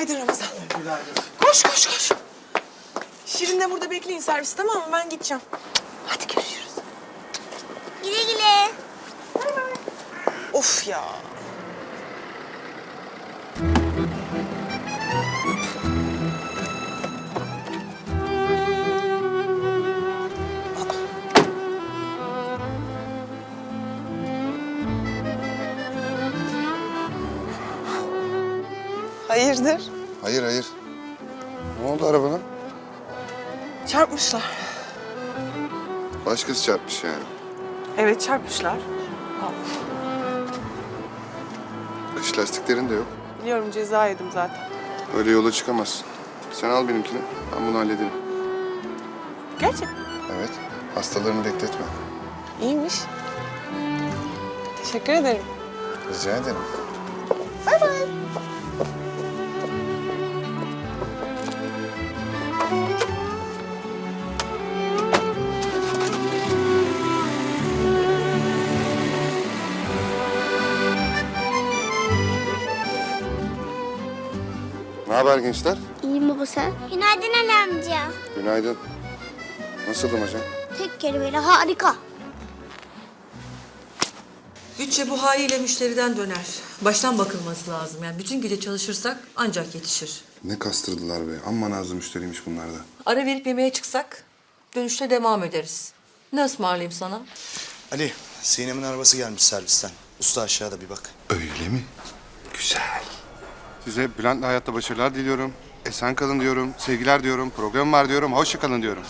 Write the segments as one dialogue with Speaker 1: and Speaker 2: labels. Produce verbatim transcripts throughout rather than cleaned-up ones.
Speaker 1: Günaydın Ramazan. Günaydın. Koş koş koş. Şirin de burada bekleyin servis, tamam mı? Ben gideceğim. Hadi görüşürüz.
Speaker 2: Güle güle.
Speaker 1: Of ya. Hayırdır?
Speaker 3: Hayır hayır. Ne oldu arabana?
Speaker 1: Çarpmışlar.
Speaker 3: Başkası çarpmış yani.
Speaker 1: Evet, çarpmışlar.
Speaker 3: Kış lastiklerin de yok.
Speaker 1: Biliyorum, ceza yedim zaten.
Speaker 3: Öyle yola çıkamazsın. Sen al benimkini. Ben bunu hallederim.
Speaker 1: Gerçekten.
Speaker 3: Evet. Hastalarını bekletme.
Speaker 1: İyiymiş. Teşekkür ederim.
Speaker 3: Rica ederim.
Speaker 1: Bay bay.
Speaker 3: Ne haber gençler?
Speaker 2: İyiyim baba sen? Günaydın Ali amca.
Speaker 3: Günaydın. Nasıldım hocam?
Speaker 2: Tek kelimeyle harika.
Speaker 4: Bütçe bu haliyle müşteriden döner. Baştan bakılması lazım. Yani bütün gece çalışırsak ancak yetişir.
Speaker 3: Ne kastırdılar be. Amma nazlı müşteriymiş bunlar da.
Speaker 4: Ara verip yemeğe çıksak dönüşte devam ederiz. Ne ısmarlayayım sana?
Speaker 5: Ali, Sinem'in arabası gelmiş servisten. Usta aşağıda bir bak.
Speaker 3: Öyle mi? Güzel. Size Bülent'le hayatta başarılar diliyorum. Esen kalın diyorum. Sevgiler diyorum. Program var diyorum. Hoşça kalın diyorum.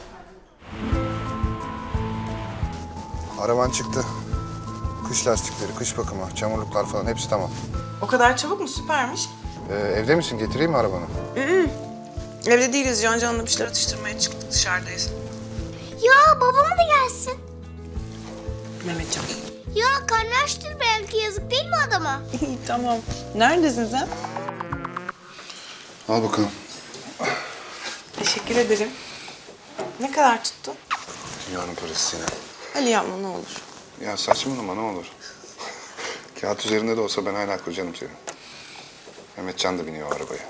Speaker 3: Araban çıktı. Kış lastikleri, kış bakımı, çamurluklar falan hepsi tamam.
Speaker 1: O kadar çabuk mu? Süpermiş.
Speaker 3: Ee, evde misin? Getireyim mi arabanı?
Speaker 1: Evde değiliz. Can canlı bir şeyler atıştırmaya çıktık, dışarıdayız.
Speaker 2: Ya babam da gelsin.
Speaker 1: Mehmetcan.
Speaker 2: Ya karnı açtır belki, yazık değil mi adama?
Speaker 1: İyi, tamam. Neredesin sen?
Speaker 3: Al bakalım.
Speaker 1: Teşekkür ederim. Ne kadar tuttu?
Speaker 3: Dünyanın parası Sinem.
Speaker 1: Ali yapma ne olur.
Speaker 3: Ya saçmalama ne olur. Kağıt üzerinde de olsa ben hala kocanım senin. Mehmetcan da biniyor o arabaya.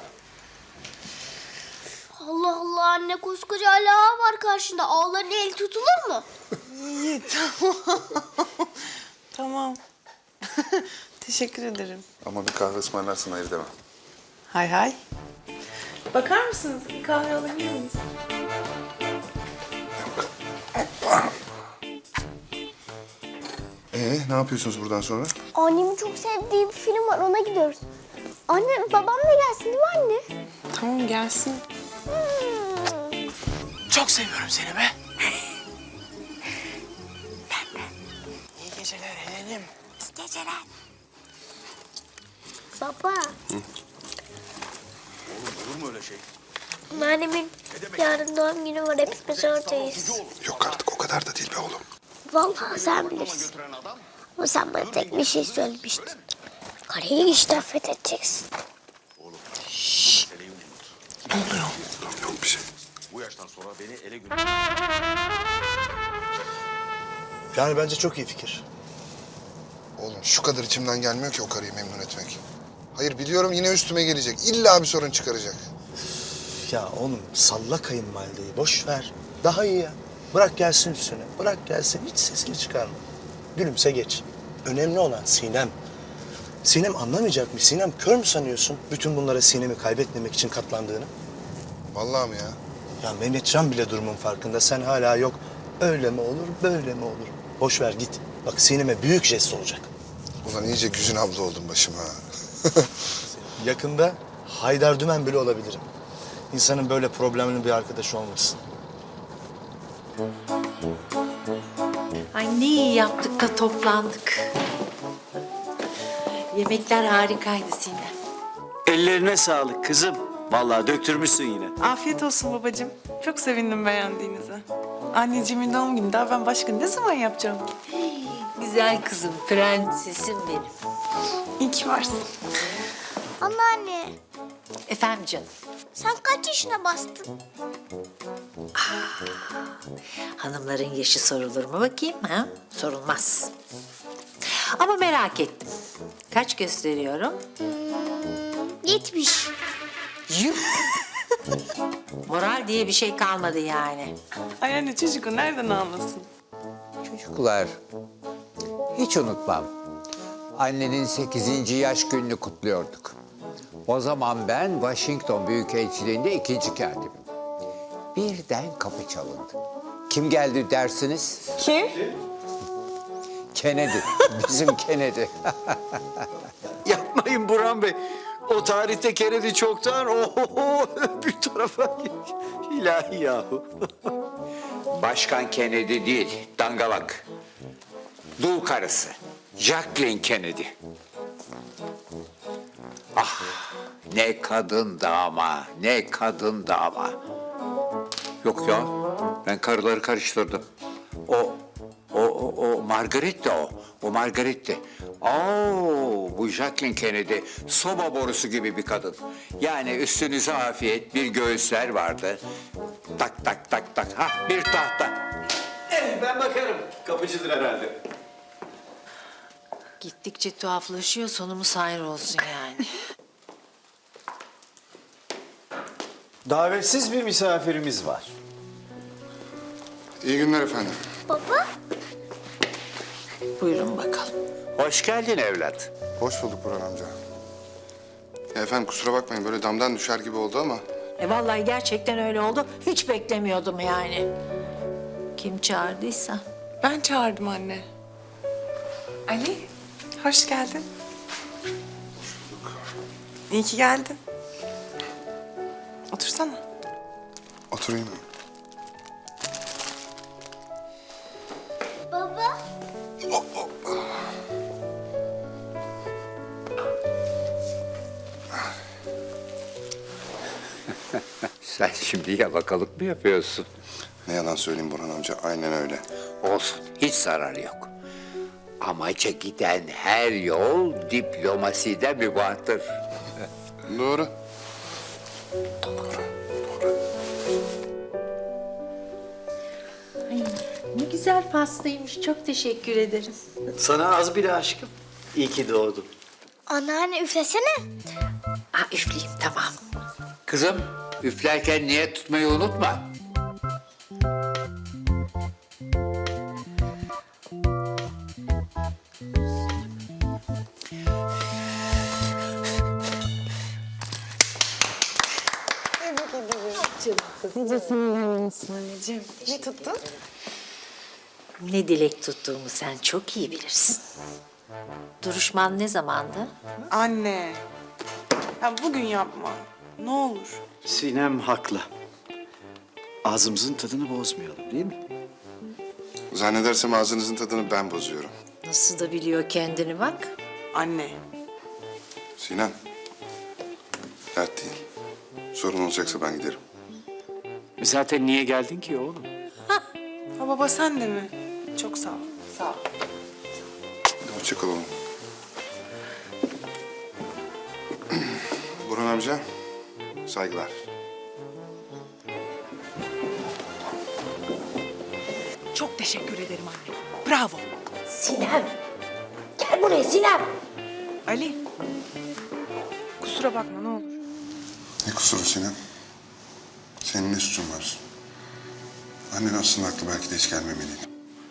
Speaker 2: Allah Allah anne, koskoca Ali Ağa var karşında. Ağların el tutulur mu?
Speaker 1: İyi, tamam. Tamam. Teşekkür ederim.
Speaker 3: Ama bir kahve ısmarlarsın hayır demem.
Speaker 1: Hay hay. Bakar mısınız? Bir kahve alabilir miyiz?
Speaker 3: Ee, ne yapıyorsunuz buradan sonra?
Speaker 2: Annemin çok sevdiği bir film var, ona gidiyoruz. Anne, babam da gelsin değil mi anne?
Speaker 1: Tamam, gelsin.
Speaker 2: Hmm.
Speaker 1: Çok seviyorum seni be. İyi geceler Helen'im.
Speaker 2: İyi geceler. Baba.
Speaker 5: Olur mu öyle şey?
Speaker 2: Annemin yarın doğum günü var, hepimiz oradayız.
Speaker 3: Yok artık o kadar da değil be oğlum.
Speaker 2: Vallahi sen bilirsin. Ama sen bana tek bir şey söylemiştin. Kareyi işte affedeceksin.
Speaker 1: Ne oluyor?
Speaker 3: Yok bir şey.
Speaker 6: Bu yaştan sonra beni ele gö...
Speaker 5: Yani bence çok iyi fikir.
Speaker 3: Oğlum şu kadar içimden gelmiyor ki o karıyı memnun etmek. Hayır biliyorum yine üstüme gelecek. İlla bir sorun çıkaracak.
Speaker 5: Ya oğlum salla kayınvalideyi, boş ver. Daha iyi ya. Bırak gelsin üstüne, bırak gelsin. Hiç sesini çıkarma. Gülümse geç. Önemli olan Sinem. Sinem anlamayacak mı? Sinem kör mü sanıyorsun bütün bunlara Sinem'i kaybetmemek için katlandığını?
Speaker 3: Vallahi mi ya?
Speaker 5: Ya Mehmetcan bile durumun farkında. Sen hala yok. Öyle mi olur, böyle mi olur? Boş ver git. Bak Sinem'e büyük jest olacak.
Speaker 3: Ulan iyice Güzin abla oldum başıma.
Speaker 5: Yakında Haydar Dümen bile olabilirim. İnsanın böyle problemli bir arkadaşı olmasın.
Speaker 7: Ay ne iyi yaptık da toplandık. Yemekler harikaydı Sinem.
Speaker 8: Ellerine sağlık kızım. Vallahi döktürmüşsün yine.
Speaker 1: Afiyet olsun babacığım. Çok sevindim beğendiğinize. Anneciğimin doğum günü, daha ben başka ne zaman yapacağım ki?
Speaker 7: Güzel kızım, prensesim benim.
Speaker 1: İyi ki varsın.
Speaker 2: Anneanne,
Speaker 7: Efendim canım,
Speaker 2: sen kaç yaşına bastın?
Speaker 7: hanımların yaşı sorulur mu bakayım ha? Sorulmaz. Ama merak ettim. Kaç gösteriyorum?
Speaker 2: Yetmiş.
Speaker 7: Moral diye bir şey kalmadı yani.
Speaker 1: Ay anne çocuk o nereden anlasın?
Speaker 9: Çocuklar, hiç unutmam. Annenin sekizinci yaş gününü kutluyorduk. O zaman ben Washington Büyükelçiliğinde ikinci katibim. Birden kapı çalındı. Kim geldi dersiniz?
Speaker 1: Kim?
Speaker 9: Kennedy, bizim Kennedy.
Speaker 8: Yapmayın Burhan Bey. O tarihte Kennedy çoktan oho bir tarafa ilahi yahu.
Speaker 9: Başkan Kennedy değil, dangalak. Dul karısı, Jacqueline Kennedy. Ah, ne kadındı ama, ne kadındı ama. Yok ya, ben karıları karıştırdım. O, o, o, o Margaret'ti o. O Margaret'ti. Oo, bu Jacqueline Kennedy soba borusu gibi bir kadın. Yani üstünüze afiyet, bir göğüsler vardı. Tak tak tak tak, ha bir tahta.
Speaker 8: Eh, ben bakarım. Kapıcıdır herhalde.
Speaker 7: Gittikçe tuhaflaşıyor, sonumuz hayır olsun yani.
Speaker 8: Davetsiz bir misafirimiz var.
Speaker 3: İyi günler efendim.
Speaker 2: Baba.
Speaker 7: Buyurun bakalım.
Speaker 9: Hoş geldin evlat.
Speaker 3: Hoş bulduk Burhan amca. Ya efendim kusura bakmayın böyle damdan düşer gibi oldu ama...
Speaker 7: E vallahi gerçekten öyle oldu. Hiç beklemiyordum yani. Kim çağırdıysa.
Speaker 1: Ben çağırdım anne. Ali, hoş geldin. İyi ki geldin. Otursana.
Speaker 3: Oturayım.
Speaker 2: Baba.
Speaker 9: Sen şimdi yalakalık mı yapıyorsun?
Speaker 3: Ne yalan söyleyeyim Burhan amca, aynen öyle.
Speaker 9: Olsun, hiç zararı yok. Amaca giden her yol diplomasiden mübahtır.
Speaker 3: Doğru.
Speaker 7: Ne güzel pastaymış. Çok teşekkür ederim.
Speaker 8: Sana az bile aşkım. İyi ki doğdun.
Speaker 2: Anneanne üflesene.
Speaker 7: Aa, üfleyeyim tamam.
Speaker 9: Kızım, üflerken niyet tutmayı unutma.
Speaker 1: Anneciğim, ne tuttun?
Speaker 7: Ne dilek tuttuğumu sen çok iyi bilirsin. Duruşman ne zamandı?
Speaker 1: Anne. Ya bugün yapma. Ne olur.
Speaker 8: Sinem haklı. Ağzımızın tadını bozmayalım değil mi?
Speaker 3: Zannedersem ağzınızın tadını ben bozuyorum.
Speaker 7: Nasıl da biliyor kendini bak.
Speaker 1: Anne.
Speaker 3: Sinan. Dert değil. Sorun olacaksa ben giderim.
Speaker 8: Zaten niye geldin ki oğlum?
Speaker 1: Ha baba sen de mi? Çok sağ ol. Sağ ol.
Speaker 3: Hoşça kal oğlum. Burhan amca, saygılar.
Speaker 1: Çok teşekkür ederim anne. Bravo.
Speaker 2: Sinem. Gel buraya Sinem.
Speaker 1: Ali. Kusura bakma ne olur.
Speaker 3: Ne kusuru Sinan? Senin ne suçun var? Annen aslında aklı belki de hiç gelmemeliydi.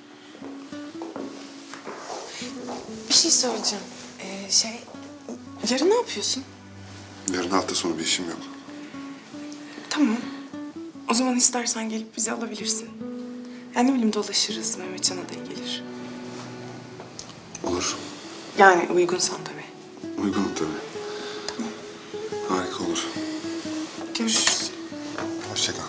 Speaker 1: Bir şey söyleyeceğim. Ee, şey, yarın ne yapıyorsun?
Speaker 3: Yarın hafta sonu bir işim yok.
Speaker 1: Tamam. O zaman istersen gelip bizi alabilirsin. Yani ne bileyim dolaşırız. Mehmetcan'a da iyi gelir.
Speaker 3: Olur.
Speaker 1: Yani uygunsan tabii.
Speaker 3: Uygunum tabii. Harika olur.
Speaker 1: Görüşürüz.
Speaker 3: Hoşça kal.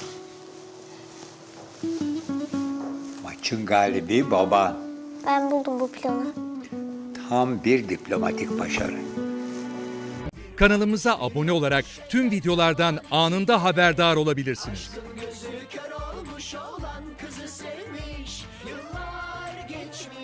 Speaker 9: Maçın galibi baba.
Speaker 2: Ben buldum bu planı.
Speaker 9: Tam bir diplomatik başarı.
Speaker 10: Kanalımıza abone olarak tüm videolardan anında haberdar olabilirsiniz.